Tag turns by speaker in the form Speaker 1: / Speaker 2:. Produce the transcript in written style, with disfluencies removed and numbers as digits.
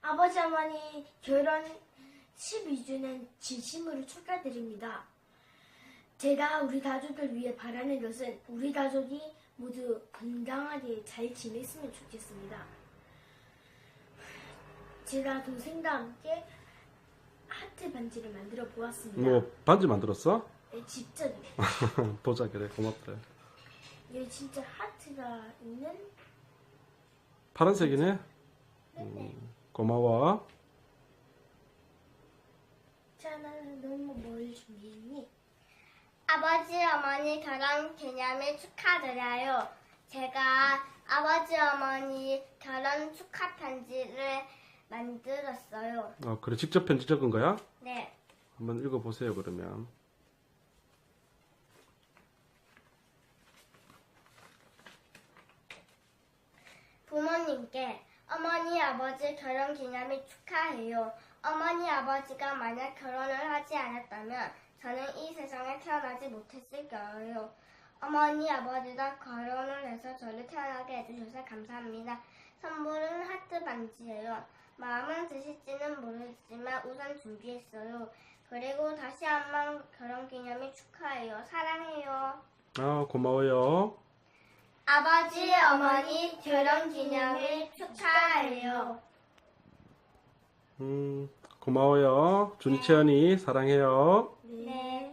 Speaker 1: 아버지 어머니 결혼 12주년 진심으로 축하드립니다. 제가 우리 가족을 위해 바라는 것은 우리 가족이 모두 건강하게 잘 지냈으면 좋겠습니다. 제가 동생과 함께 하트 반지를 만들어 보았습니다.
Speaker 2: 뭐 반지 만들었어?
Speaker 1: 네, 직접.
Speaker 2: 보자 그래 고맙다.
Speaker 1: 이게 진짜 하트가 있는.
Speaker 2: 파란색이네.
Speaker 1: 네.
Speaker 2: 고마워.
Speaker 1: 자, 나는 너무 뭘 준비했니?
Speaker 3: 아버지, 어머니 결혼 기념일 축하드려요. 제가 아버지, 어머니 결혼 축하 편지를 만들었어요.
Speaker 2: 그래 직접 편지 적은 거야?
Speaker 3: 네.
Speaker 2: 한번 읽어보세요 그러면.
Speaker 3: 부모님께 어머니, 아버지 결혼 기념일 축하해요. 어머니, 아버지가 만약 결혼을 하지 않았다면 저는 이 세상에 태어나지 못했을 거예요. 어머니, 아버지가 결혼을 해서 저를 태어나게 해주셔서 감사합니다. 선물은 하트 반지예요. 마음은 드실지는 모르지만 우선 준비했어요. 그리고 다시 한번 결혼 기념일 축하해요. 사랑해요.
Speaker 2: 고마워요.
Speaker 3: 아버지, 어머니 결혼 기념일 축하해요.
Speaker 2: 고마워요. 준이 채연이 사랑해요.
Speaker 1: 네.
Speaker 3: 네.